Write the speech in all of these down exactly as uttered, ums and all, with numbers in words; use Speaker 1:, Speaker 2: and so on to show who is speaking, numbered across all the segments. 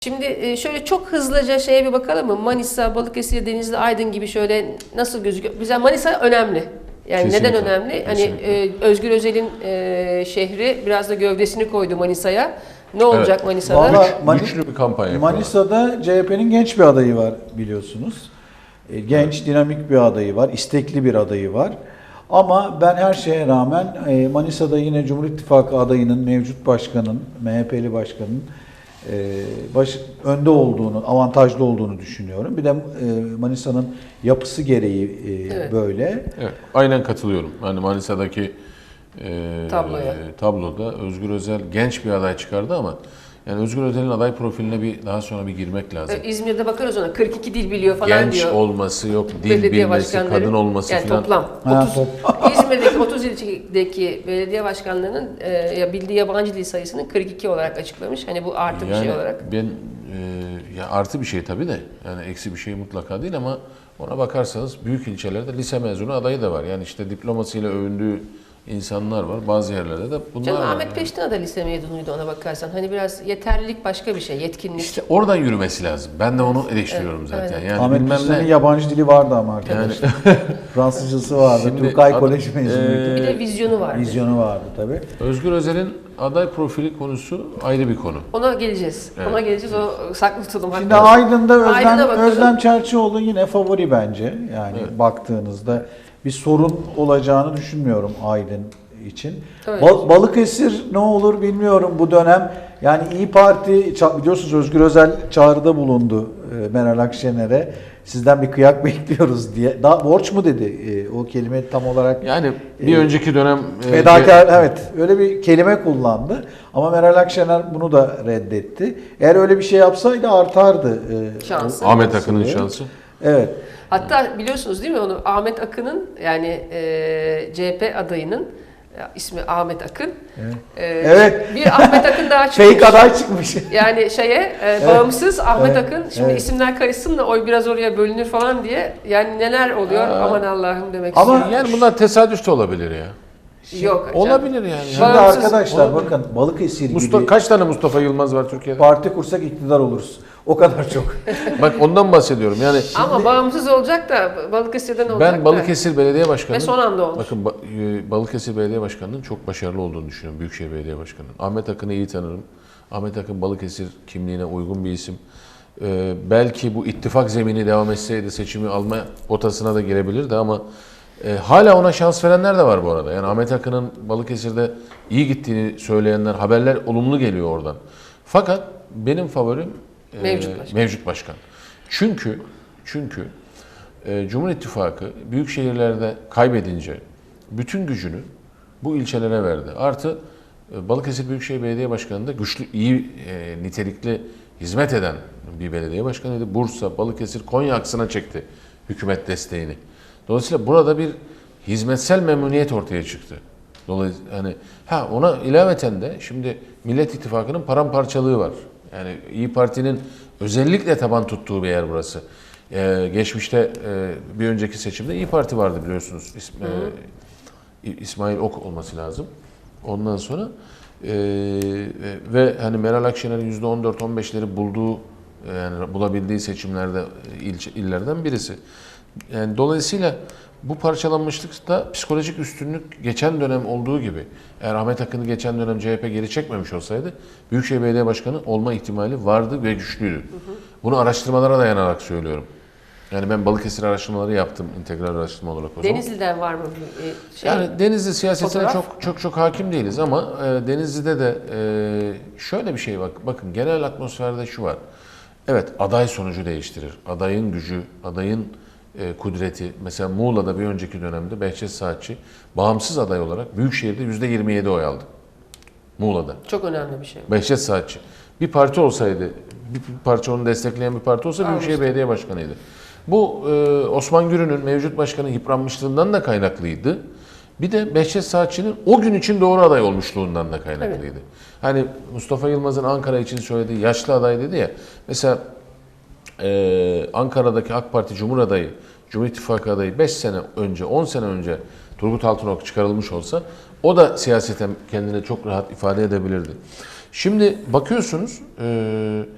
Speaker 1: Şimdi şöyle çok hızlıca şeye bir bakalım mı? Manisa, Balıkesir, Denizli, Aydın gibi şöyle nasıl gözüküyor? Bize Manisa önemli. Yani kesinlikle, neden önemli? Kesinlikle. Hani e, Özgür Özel'in e, şehri biraz da gövdesini koydu Manisa'ya. Ne olacak evet. Manisa'da?
Speaker 2: Vallahi
Speaker 3: Güç, güçlü bir kampanya yapıyorlar.
Speaker 2: Manisa'da C H P'nin genç bir adayı var biliyorsunuz. Genç, evet. dinamik bir adayı var, istekli bir adayı var. Ama ben her şeye rağmen Manisa'da yine Cumhur İttifakı adayının, mevcut başkanın, M H P'li başkanın baş, önde olduğunu, avantajlı olduğunu düşünüyorum. Bir de Manisa'nın yapısı gereği evet. böyle.
Speaker 3: Evet, aynen katılıyorum. Yani Manisa'daki e, Tabloya. tabloda Özgür Özel genç bir aday çıkardı ama yani Özgür Özel'in aday profiline bir daha sonra bir girmek lazım.
Speaker 1: İzmir'de bakarız ona kırk iki dil biliyor falan
Speaker 3: genç
Speaker 1: diyor.
Speaker 3: Genç olması yok, dil bilmesi, kadın olması
Speaker 1: yani
Speaker 3: falan.
Speaker 1: Toplam. otuz, İzmir'deki otuz ilçedeki belediye başkanlarının e, bildiği yabancı dil sayısının kırk iki olarak açıklamış. Hani bu artı yani bir şey olarak.
Speaker 3: Ben e, ya artı bir şey tabii de yani eksi bir şey mutlaka değil ama ona bakarsanız büyük ilçelerde lise mezunu adayı da var. Yani işte diplomasıyla övündüğü insanlar var. Bazı yerlerde de bunlar
Speaker 1: Canım,
Speaker 3: var.
Speaker 1: Ahmet
Speaker 3: yani.
Speaker 1: Peştina da lise mezunuydu ona bakarsan. Hani biraz yeterlilik başka bir şey, yetkinlik. İşte
Speaker 3: oradan yürümesi lazım. Ben de onu eleştiriyorum evet, zaten. Evet. Yani
Speaker 2: Ahmet Peştina'nın yabancı dili vardı ama arkadaşlar. Yani, Fransızcası vardı. Turkay Koleji mezunuydu.
Speaker 1: E, bir de vizyonu vardı.
Speaker 2: Vizyonu vardı tabii.
Speaker 3: Özgür Özel'in aday profili konusu ayrı bir konu.
Speaker 1: Ona geleceğiz. Evet. Ona geleceğiz. O saklı tutalım.
Speaker 2: Şimdi Aydın'da Özlem, Özlem Çerçioğlu yine favori bence. Yani evet. baktığınızda bir sorun olacağını düşünmüyorum Aydın için. Bal Balıkesir ne olur bilmiyorum bu dönem. Yani İyi Parti biliyorsunuz Özgür Özel çağrıda bulundu Meral Akşener'e. Sizden bir kıyak bekliyoruz diye. Daha borç mu dedi o kelime tam olarak?
Speaker 3: Yani bir e, önceki dönem
Speaker 2: fedakar e, evet öyle bir kelime kullandı. Ama Meral Akşener bunu da reddetti. Eğer öyle bir şey yapsaydı artardı.
Speaker 1: Şansı.
Speaker 3: Ahmet Akın'ın şansı.
Speaker 2: Evet.
Speaker 1: Hatta biliyorsunuz değil mi onu Ahmet Akın'ın yani e, C H P adayının ismi Ahmet Akın.
Speaker 2: Evet.
Speaker 1: Ee,
Speaker 2: evet.
Speaker 1: Bir Ahmet Akın daha çıkmış.
Speaker 2: Fake aday çıkmış.
Speaker 1: Yani şeye e, evet. bağımsız Ahmet evet. Akın. Şimdi evet. isimler karışsın da oy biraz oraya bölünür falan diye. Yani neler oluyor Aa. aman Allah'ım demek
Speaker 3: Ama
Speaker 1: istiyorum.
Speaker 3: yani bunlar tesadüf de olabilir ya.
Speaker 1: Yok.
Speaker 3: Olabilir yani.
Speaker 2: Şimdi bağımsız arkadaşlar olabilir. Bakın Balıkesir
Speaker 3: Mustafa,
Speaker 2: gibi.
Speaker 3: Kaç tane Mustafa Yılmaz var Türkiye'de?
Speaker 2: Parti kursak iktidar oluruz. O kadar çok.
Speaker 3: Bak ondan bahsediyorum. Yani
Speaker 1: şimdi, ama bağımsız olacak da Balıkesir'den olacak
Speaker 3: ben Balıkesir
Speaker 1: da.
Speaker 3: Belediye Başkanı'nın
Speaker 1: ve son anda olmuş.
Speaker 3: Bakın Balıkesir Belediye Başkanı'nın çok başarılı olduğunu düşünüyorum. Büyükşehir Belediye Başkanı'nın. Ahmet Akın'ı iyi tanırım. Ahmet Akın Balıkesir kimliğine uygun bir isim. Ee, belki bu ittifak zemini devam etseydi seçimi alma potasına da girebilirdi ama e, hala ona şans verenler de var bu arada. Yani Ahmet Akın'ın Balıkesir'de iyi gittiğini söyleyenler, haberler olumlu geliyor oradan. Fakat benim favorim
Speaker 1: Mevcut başkan.
Speaker 3: Mevcut başkan. Çünkü çünkü e, Cumhur İttifakı büyük şehirlerde kaybedince bütün gücünü bu ilçelere verdi. Artı e, Balıkesir Büyükşehir Belediye Başkanı da güçlü, iyi, e, nitelikli hizmet eden bir belediye başkanıydı. Bursa, Balıkesir, Konya aksına çekti hükümet desteğini. Dolayısıyla burada bir hizmetsel memnuniyet ortaya çıktı. Dolayısıyla hani ha ona ilaveten de şimdi Millet İttifakı'nın paramparçalığı var. Yani İyi Parti'nin özellikle taban tuttuğu bir yer burası. Ee, geçmişte e, bir önceki seçimde İyi Parti vardı biliyorsunuz. İsm, e, İsmail Ok olması lazım. Ondan sonra e, ve hani Meral Akşener'in yüzde on dört on beşleri bulduğu yani bulabildiği seçimlerde ilçe, illerden birisi. Yani dolayısıyla bu parçalanmışlıkta psikolojik üstünlük geçen dönem olduğu gibi eğer Ahmet Akın'ı geçen dönem C H P geri çekmemiş olsaydı Büyükşehir Belediye Başkanı olma ihtimali vardı ve güçlüydü. Hı hı. Bunu araştırmalara dayanarak söylüyorum. Yani ben Balıkesir araştırmaları yaptım integral araştırma olarak o zaman.
Speaker 1: Denizli'den var mı bir şey?
Speaker 3: Yani Denizli siyasetine çok çok çok hakim değiliz ama e, Denizli'de de e, şöyle bir şey bak. Bakın genel atmosferde şu var. Evet aday sonucu değiştirir. Adayın gücü, adayın E, kudreti. Mesela Muğla'da bir önceki dönemde Behçet Saatçi bağımsız aday olarak Büyükşehir'de yüzde yirmi yedi oy aldı. Muğla'da.
Speaker 1: Çok önemli bir şey.
Speaker 3: Behçet Saatçi. Bir parti olsaydı, bir parça onu destekleyen bir parti olsa Büyükşehir Almıştı. Belediye Başkanı'ydı. Bu e, Osman Gürün'ün mevcut başkanın yıpranmışlığından da kaynaklıydı. Bir de Behçet Saatçi'nin o gün için doğru aday olmuşluğundan da kaynaklıydı. Evet. Hani Mustafa Yılmaz'ın Ankara için söylediği yaşlı aday dedi ya. Mesela Ee, Ankara'daki AK Parti Cumhur adayı, Cumhur İttifakı adayı beş sene önce, on sene önce Turgut Altınok çıkarılmış olsa o da siyaseten kendini çok rahat ifade edebilirdi. Şimdi bakıyorsunuz e,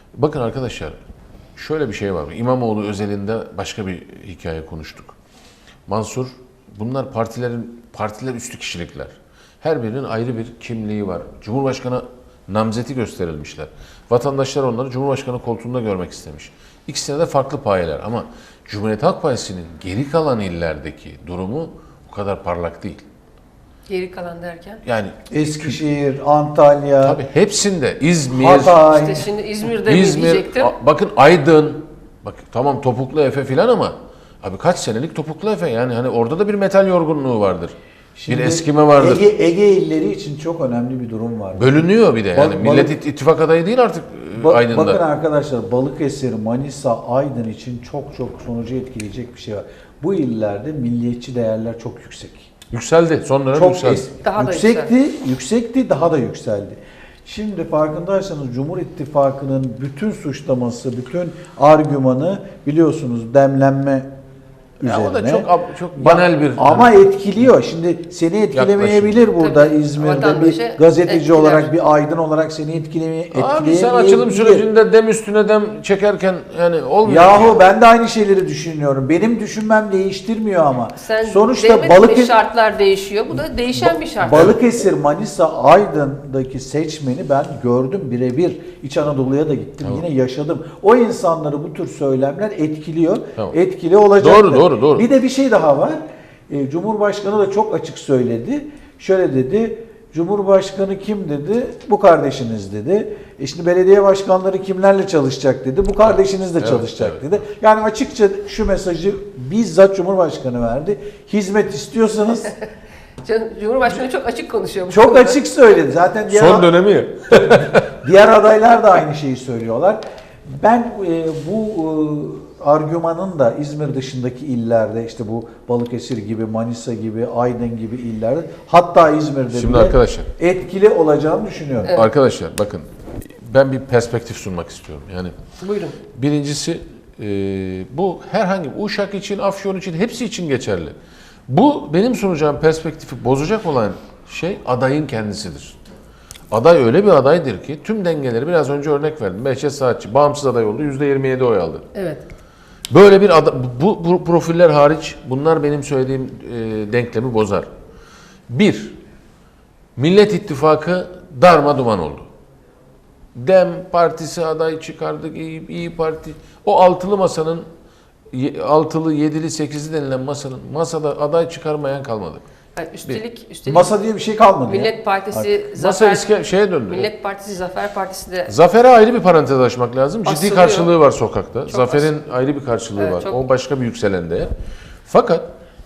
Speaker 3: Bakın arkadaşlar, şöyle bir şey var. İmamoğlu özelinde başka bir hikaye konuştuk. Mansur, bunlar partilerin partiler üstü kişilikler. Her birinin ayrı bir kimliği var. Cumhurbaşkanı namzeti gösterilmişler. Vatandaşlar onları Cumhurbaşkanı koltuğunda görmek istemiş. İkisine de farklı payeler ama Cumhuriyet Halk Partisi'nin geri kalan illerdeki durumu bu kadar parlak değil.
Speaker 1: Geri kalan derken?
Speaker 3: Yani
Speaker 2: Eskişehir, Antalya,
Speaker 3: tabii hepsinde İzmir,
Speaker 2: Hatay.
Speaker 1: İşte şimdi İzmir'de mi
Speaker 3: İzmir,
Speaker 1: diyecektim.
Speaker 3: a- bakın Aydın, bak tamam Topuklu Efe filan ama abi kaç senelik Topuklu Efe, yani hani orada da bir metal yorgunluğu vardır.
Speaker 2: Şimdi
Speaker 3: bir eskime vardır.
Speaker 2: Ege, Ege illeri için çok önemli bir durum var.
Speaker 3: Bölünüyor bir de yani.
Speaker 2: Bak-
Speaker 3: Millet
Speaker 2: balık-
Speaker 3: İttifak adayı değil artık e,
Speaker 2: Ba-
Speaker 3: Aydın'da.
Speaker 2: Bakın arkadaşlar, Balıkesir, Manisa, Aydın için çok çok sonucu etkileyecek bir şey var. Bu illerde milliyetçi değerler çok yüksek.
Speaker 3: Yükseldi. Son dönem
Speaker 2: Çok
Speaker 3: yükseldi.
Speaker 2: es-
Speaker 1: Daha da
Speaker 2: yüksekti, yüksekti, daha da yükseldi. Şimdi farkındaysanız Cumhur İttifakı'nın bütün suçlaması, bütün argümanı biliyorsunuz demlenme üzerine.
Speaker 3: Ya o da çok ab- çok banal bir
Speaker 2: Ama
Speaker 3: hani-
Speaker 2: etkiliyor. Şimdi seni etkilemeyebilir burada
Speaker 1: Tabii,
Speaker 2: İzmir'de
Speaker 1: vatandaşı
Speaker 2: bir gazeteci
Speaker 1: etkiler.
Speaker 2: olarak, bir aydın olarak seni etkilemeye
Speaker 3: Abi sen
Speaker 2: etkileyemeyebilir.
Speaker 3: açılım sürecinde dem üstüne dem çekerken yani olmuyor.
Speaker 2: Yahu ben de aynı şeyleri düşünüyorum. Benim düşünmem değiştirmiyor ama.
Speaker 1: Sen
Speaker 2: Sonuçta
Speaker 1: demedin mi
Speaker 2: Balıkesir,
Speaker 1: şartlar değişiyor. Bu da değişen bir şart.
Speaker 2: Balıkesir, Manisa, Aydın'daki seçmeni ben gördüm birebir. İç Anadolu'ya da gittim.
Speaker 3: Tamam.
Speaker 2: Yine yaşadım. O insanları bu tür söylemler etkiliyor.
Speaker 3: Tamam.
Speaker 2: Etkili olacaktır.
Speaker 3: Doğru, doğru, doğru.
Speaker 2: Bir de bir şey daha var. E, Cumhurbaşkanı da çok açık söyledi. Şöyle dedi. Cumhurbaşkanı kim dedi? Bu kardeşiniz dedi. E şimdi belediye başkanları kimlerle çalışacak dedi. Bu kardeşiniz de
Speaker 3: Evet,
Speaker 2: çalışacak
Speaker 3: evet.
Speaker 2: dedi. Yani açıkça şu mesajı bizzat Cumhurbaşkanı verdi. Hizmet istiyorsanız
Speaker 1: Can- Cumhurbaşkanı çok açık konuşuyor. bu
Speaker 2: çok
Speaker 1: konuda.
Speaker 2: açık söyledi. Zaten diğer,
Speaker 3: Son dönemi ya.
Speaker 2: diğer adaylar da aynı şeyi söylüyorlar. Ben e, bu e, argümanın da İzmir dışındaki illerde, işte bu Balıkesir gibi, Manisa gibi, Aydın gibi illerde, hatta İzmir'de
Speaker 3: Şimdi
Speaker 2: bile
Speaker 3: arkadaşlar.
Speaker 2: etkili olacağını düşünüyorum.
Speaker 1: Evet.
Speaker 3: Arkadaşlar bakın ben bir perspektif sunmak istiyorum. Yani
Speaker 1: Buyurun.
Speaker 3: birincisi e, bu herhangi Uşak için, Afyon için hepsi için geçerli. Bu benim sunacağım perspektifi bozacak olan şey adayın kendisidir. Aday öyle bir adaydır ki tüm dengeleri biraz önce örnek verdim. Behçet Saatçi bağımsız aday oldu. yüzde yirmi yedi oy aldı.
Speaker 1: Evet.
Speaker 3: Böyle bir ada, bu, bu profiller hariç bunlar benim söylediğim e, denklemi bozar. Bir, Millet İttifakı darma duman oldu. Dem Partisi aday çıkardık, İyi, İyi Parti. O altılı masanın, ye- altılı, yedili, sekizli denilen masanın masada aday çıkarmayan kalmadı.
Speaker 1: Yani üstelik, üstelik
Speaker 2: Masa diye bir şey kalmadı ya.
Speaker 1: Millet Partisi
Speaker 3: Masa
Speaker 1: Zafer
Speaker 3: iske, şeye döndü.
Speaker 1: Millet Partisi Zafer Partisi de
Speaker 3: Zafer'e ayrı bir parantez açmak lazım. Ciddi
Speaker 1: Asılıyor.
Speaker 3: karşılığı var sokakta.
Speaker 1: Çok
Speaker 3: Zafer'in ayrı bir karşılığı
Speaker 1: Evet,
Speaker 3: var.
Speaker 1: çok-
Speaker 3: O başka bir yükselen değer. Fakat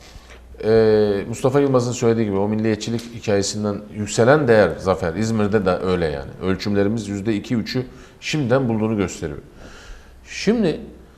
Speaker 3: e, Mustafa Yılmaz'ın söylediği gibi o milliyetçilik hikayesinden yükselen değer Zafer. İzmir'de de öyle yani. Ölçümlerimiz yüzde iki üçü şimdiden bulduğunu gösteriyor. Şimdi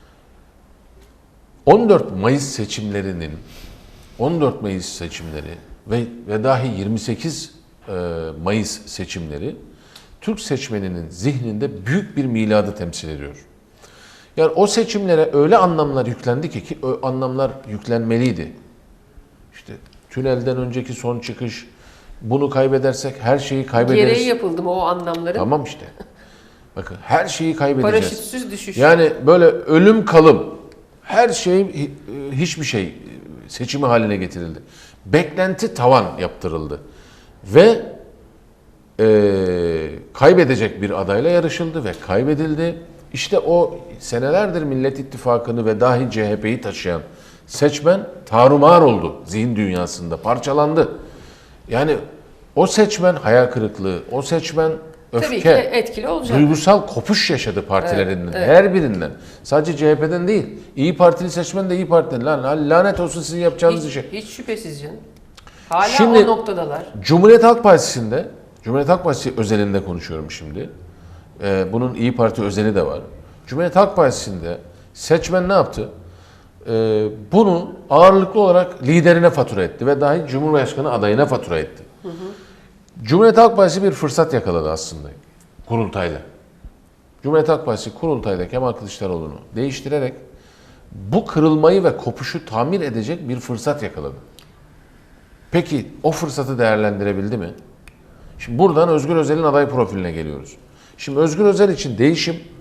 Speaker 3: on dört Mayıs seçimlerinin on dört Mayıs seçimleri ve, ve dahi yirmi sekiz e, Mayıs seçimleri Türk seçmeninin zihninde büyük bir miladı temsil ediyor. Yani o seçimlere öyle anlamlar yüklendi ki, ki o anlamlar yüklenmeliydi. İşte tünelden önceki son çıkış, bunu kaybedersek her şeyi kaybederiz.
Speaker 1: gereği yapıldı mı o anlamların?
Speaker 3: Tamam işte. Bakın her şeyi kaybedeceğiz.
Speaker 1: Paraşütsüz düşüş.
Speaker 3: Yani böyle ölüm kalım her şey hi- hiçbir şey seçimi haline getirildi. Beklenti tavan yaptırıldı. Ve e, kaybedecek bir adayla yarışıldı ve kaybedildi. İşte o senelerdir Millet İttifakı'nı ve dahi C H P'yi taşıyan seçmen tarumar oldu zihin dünyasında, parçalandı. Yani o seçmen hayal kırıklığı, o seçmen öfke,
Speaker 1: Tabii ki etkili olacak.
Speaker 3: duygusal kopuş yaşadı partilerinden,
Speaker 1: Evet, evet.
Speaker 3: her birinden. Sadece C H P'den değil. İyi Partili seçmen de İyi Parti'den. Lan lanet olsun sizin yapacağınız
Speaker 1: Hiç,
Speaker 3: işe.
Speaker 1: hiç şüphesiz canım. Hala
Speaker 3: Şimdi-
Speaker 1: o noktadalar.
Speaker 3: Cumhuriyet Halk Partisi'nde, Cumhuriyet Halk Partisi özelinde konuşuyorum şimdi. Ee, bunun İyi Parti özeli de var. Cumhuriyet Halk Partisi'nde seçmen ne yaptı? Ee, bunu ağırlıklı olarak liderine fatura etti ve dahi Cumhurbaşkanı adayına fatura etti. Hı hı. Cumhuriyet Halk Partisi bir fırsat yakaladı aslında kurultayla. Cumhuriyet Halk Partisi kurultayda Kemal Kılıçdaroğlu'nu değiştirerek bu kırılmayı ve kopuşu tamir edecek bir fırsat yakaladı. Peki o fırsatı değerlendirebildi mi? Şimdi buradan Özgür Özel'in aday profiline geliyoruz. Şimdi Özgür Özel için değişim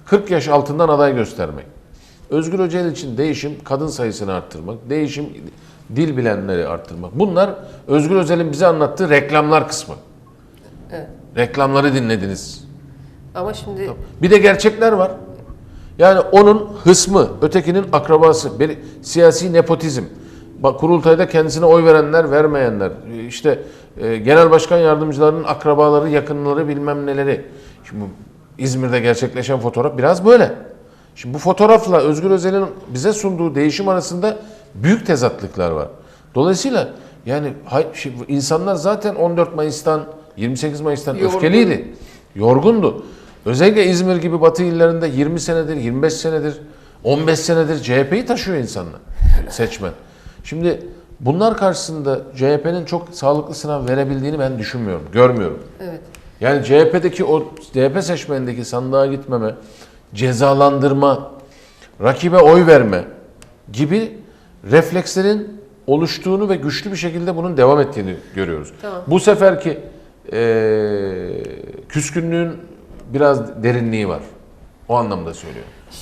Speaker 3: kırk yaş altından aday göstermek. Özgür Özel için değişim kadın sayısını arttırmak, değişim dil bilenleri arttırmak. Bunlar Özgür Özel'in bize anlattığı reklamlar kısmı.
Speaker 1: Evet.
Speaker 3: Reklamları dinlediniz.
Speaker 1: Ama şimdi
Speaker 3: Bir de gerçekler var. Yani onun hısmı, ötekinin akrabası, bir siyasi nepotizm. Bak kurultayda kendisine oy verenler, vermeyenler, işte e, genel başkan yardımcılarının akrabaları, yakınları bilmem neleri. Şimdi İzmir'de gerçekleşen fotoğraf biraz böyle. Şimdi bu fotoğrafla Özgür Özel'in bize sunduğu değişim arasında büyük tezatlıklar var. Dolayısıyla yani hay- şimdi insanlar zaten on dört Mayıs'tan yirmi sekiz Mayıs'tan
Speaker 1: Yorgun.
Speaker 3: öfkeliydi. Yorgundu. Özellikle İzmir gibi batı illerinde yirmi senedir, yirmi beş senedir, on beş senedir C H P'yi taşıyor insanlar, seçmen. Şimdi bunlar karşısında C H P'nin çok sağlıklı sınav verebildiğini ben düşünmüyorum, görmüyorum.
Speaker 1: evet.
Speaker 3: Yani C H P'deki o C H P seçmenindeki sandığa gitmeme, cezalandırma, rakibe oy verme gibi reflekslerin oluştuğunu ve güçlü bir şekilde bunun devam ettiğini görüyoruz.
Speaker 1: Tamam.
Speaker 3: Bu seferki eee küskünlüğün biraz derinliği var. O anlamda söylüyorum.